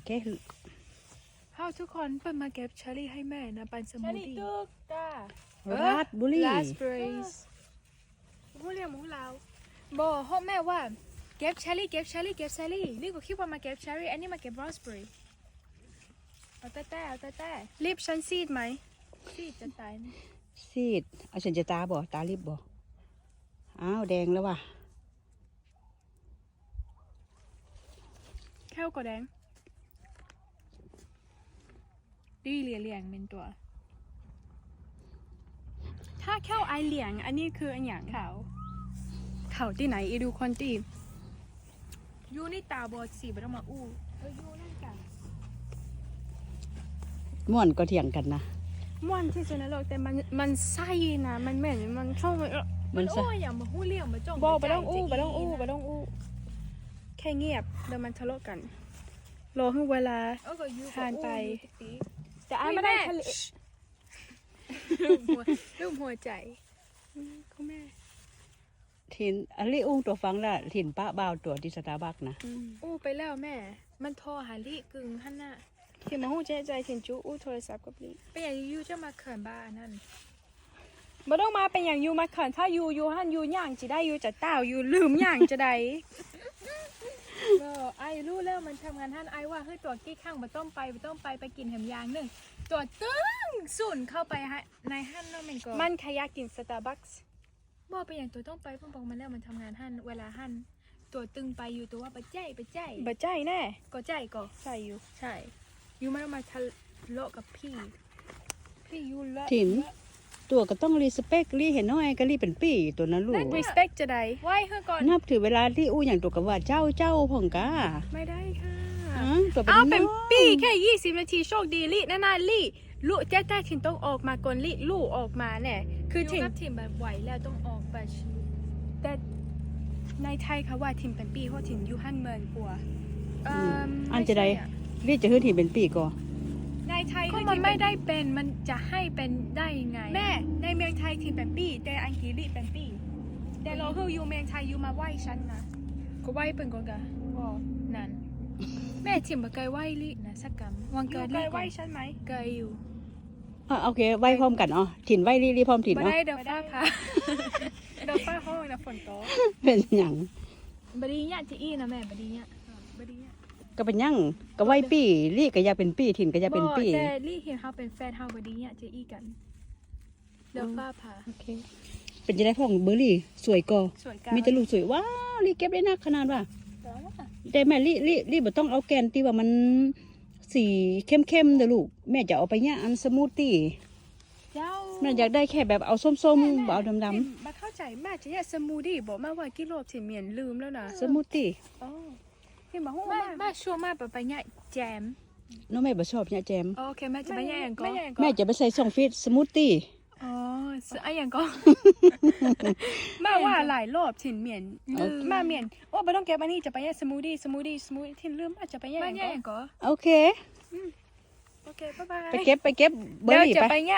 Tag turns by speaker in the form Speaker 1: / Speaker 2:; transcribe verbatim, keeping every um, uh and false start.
Speaker 1: แก้หือ
Speaker 2: เฮาทุกคนเปิดมาเก็บเชอร์รี่ให้แม่นะปันสมูทตี้
Speaker 3: ตุกตา
Speaker 1: ราสบุรี
Speaker 2: ราสเบอร์รี่หมูเรียงหมูลาวบอกพ่อแม่ว่าเก็บเชอร์รี่เก็บเชอร์รี่เก็บเชอร์รี่นี่ก็คิดว่ามาเก็บเชอร์รี่อันนี้มาเก็บราสเบอร์รี่เอาแต่แต่เอาแต่แต่รีบฉันซีดไหมซีดจะตายนะ
Speaker 1: ซีดเอาฉันจะตาบ่ตาลิบบ่อ้าวแดงแล้วว่ะ
Speaker 2: แค่วก็แดงดีเหลี่ยเหลี่ยงเป็นตัว ถ้าแค่วไอเหลี่ยงอันนี้คืออันอย่างเขาเขาที่ไหนอีดูคนที่ยูนี่ตาบอดสีไม่ต้องมาอู้เออยูนั่นกัน
Speaker 1: ม่วนก็เถียงกันนะ
Speaker 2: ม่วนที่สุดในโลกแต่มันมันไส้นะมันเหม็นมันเข้ามาเออ
Speaker 1: มั
Speaker 2: มัน
Speaker 1: น
Speaker 2: โอ้
Speaker 1: ไส้
Speaker 2: ยอย่ามาหู้เลี่ยงมาจ้อง
Speaker 3: บอกไป
Speaker 2: ใจ
Speaker 3: ต้องอู้
Speaker 2: จะ
Speaker 3: ไปต้องอู้
Speaker 2: นะ
Speaker 3: ไปต้องอู้
Speaker 2: แค่เงียบเดี๋ยวมันทะเลาะกันรอให้เวลา
Speaker 3: เออก็ยู
Speaker 2: ผ่านไป
Speaker 3: แต่อ้ายไม่ได้ทะเล
Speaker 2: รูปหัวรูปหัวใจอืมคุณแม่
Speaker 1: ถิ่นอันนี้อุ้งตัวฟังละถิ่นป้าบ่าวตัวที่สตาร์บัคนะ
Speaker 2: อู้ไปแล้วแม่ มันโทรหาลิกึ่งฮั่นน่ะ
Speaker 3: ที่มาหู้ใจใจถิ่นจูอู้โทรศัพท์กับลี
Speaker 2: เป็นอย่างยูจะมาเขินบ้านั่น
Speaker 3: บ่ต้องมาเป็นอย่างยูมาเขินถ้ายูยูหันยูย่างจะได้ยูจะเต้ายูลืมย่างจะได้
Speaker 2: เออไอ้รู้แล้วมันทำงานท่านไอ้ว่าเฮ้ยตัวกี้ข้างมาต้มไปไปต้มไปไปกินแหมยางหนึ่งตัวตึ้งสุ่นเข้าไปฮะในฮั่นเนาะมันก็
Speaker 3: มันขยากกินสตาร์บัคส์
Speaker 2: บอกไปอย่างตัวต้องไปเพิ่งบอกมันแล้วมันทำงานฮั่นเวลาฮั่นตัวตึงไปอยู่ตัวว่าไปใจไปใจ
Speaker 3: บ่ใจแน่
Speaker 2: ก็ใจก็
Speaker 3: ใส่อยู่
Speaker 2: ใช่ยูไม่ต้องมาทะเลาะกับพี่พี่ยูละ
Speaker 1: ถิ่นตัวก็ต้องรีสเปกรีเห็นน้อยก็รีเป็นปี้ตัวนั้นลูก
Speaker 3: respect จะได้
Speaker 2: ไหว้เฮ้ก่อน
Speaker 1: นับถือเวลาที่อู้อย่างตัวกับว่าเจ้าเจ้าพ่องกา
Speaker 2: ไม่ได้ค่ะ
Speaker 1: อ๋อตัวเป็น
Speaker 2: เอาเป็น
Speaker 1: น้อง
Speaker 2: ปีแค่ยี่สิบนาทีโชคดีลี่นานาลี่ลูกแจ้แต่ถิ่นต้องออกมาก่อนลี่ลูกออกมาเนี่ยคือถิ่นถิ่นแบบไหวแล้วต้องออกไปแต่ในไทยเขาว่าถิ่นเป็นปีเพราะถิ่นยูฮันเมินกลัว
Speaker 1: อืมอันจะได้รีจะขึ้นถิ่นเป็นปี้ก็
Speaker 2: ในไทยก็มันไม่ได้เป็นมันจะให้เป็นได้ยังไง แม่ในเมืองไทยถิ่นเป็นปีแต่อังกฤษลี่เป็นปีแต่เราคืออยู่เมืองไทยอยู่มาไหว้ฉันนะก็ไหว้เป็นก็กะก็นั่นแม่ถิ่นบ่เคยไหว้ลี่นะสักกำวัน
Speaker 3: ยู
Speaker 2: เกิด
Speaker 3: เค
Speaker 2: ลี่
Speaker 3: ย
Speaker 2: ก่
Speaker 3: ไหว
Speaker 2: อน
Speaker 3: ฉันไหม
Speaker 2: เคยอยู่
Speaker 1: อ่ะโอเคไว้พร้อมกันอ๋อถิ่นไว้รีรีพร้อมถิ่น
Speaker 2: บ่
Speaker 1: เนาะ
Speaker 2: ได้เดี๋ยวฟ้าผ่าเดี๋ยวฟ้าห้องนะฝนตก
Speaker 1: เป็นหยัง
Speaker 2: บดีเนี่ยจะอี้นะแม่บดีเนี่ยบดีเนี่ย
Speaker 1: ก็เป็นหยังก็ไว้ปี้รีก็อยากเป็นปี้ถิ่นก็อยากเป็นปี้
Speaker 2: แต่ลี่เห็นเขาเป็นแฟนเขาบดีเนี่ยจะอี้กันเดี๋ยวฟ้าผ่า
Speaker 1: โอเคเป็นจะได้พ่องเบอร์รี่สวยก็
Speaker 2: สวยกัน
Speaker 1: มีแต่ลูกสวยว้าวรีเก็บได้นักขนาดว่า
Speaker 2: แต่ว่า
Speaker 1: แต่แม่รีรีรีบ่ต้องเอาแกนที่ว่ามันสีเข้มๆเด้อลูกแม่จะเอาไปย่างอันสมูทตี้
Speaker 2: เจ้า
Speaker 1: แม่อยากได้แค่แบบเอาส้มๆบ่เอาดำ
Speaker 2: มาเข้าใจแม่จะเนี่ยสมูทตี้บอกแม่ว่ากิโลบถิ่นเมียนลืมแล้วนะ
Speaker 1: ๆสมูทตี้
Speaker 2: อ๋อ
Speaker 3: ที่มาหู้
Speaker 2: แม่
Speaker 3: มา
Speaker 2: แม่ชัวร์มากไปเนี่ยแจม
Speaker 1: น้องแม่บ่ชอบเนี่ยแจม
Speaker 2: โอเคแม่จะไปเนี่ยอย่างก่อ
Speaker 3: ไม่
Speaker 2: น
Speaker 3: ใช่
Speaker 1: แม่จะไปใส่ซองฟีดสมูทตี้
Speaker 2: อ๋อซื้อไอ้อย่างก่อนแม่ว่าหลายรอบถิ่นเมียนลืม
Speaker 3: มาเมียนโอ้บ่ต้องเก็บอันนี้จะไปแย่สมูทตี้สมูทตี้สมูทตี้ที่ลืมอาจจะไปแย่
Speaker 2: แม่เนี่ยอย่างก่อน
Speaker 1: โอเค
Speaker 2: โอเคบ๊ายบาย
Speaker 1: ไปเก็บไปเก็บเบอ
Speaker 3: เดี๋ยว
Speaker 1: ร์รี่
Speaker 3: จะ
Speaker 1: ไป
Speaker 3: ไปแย่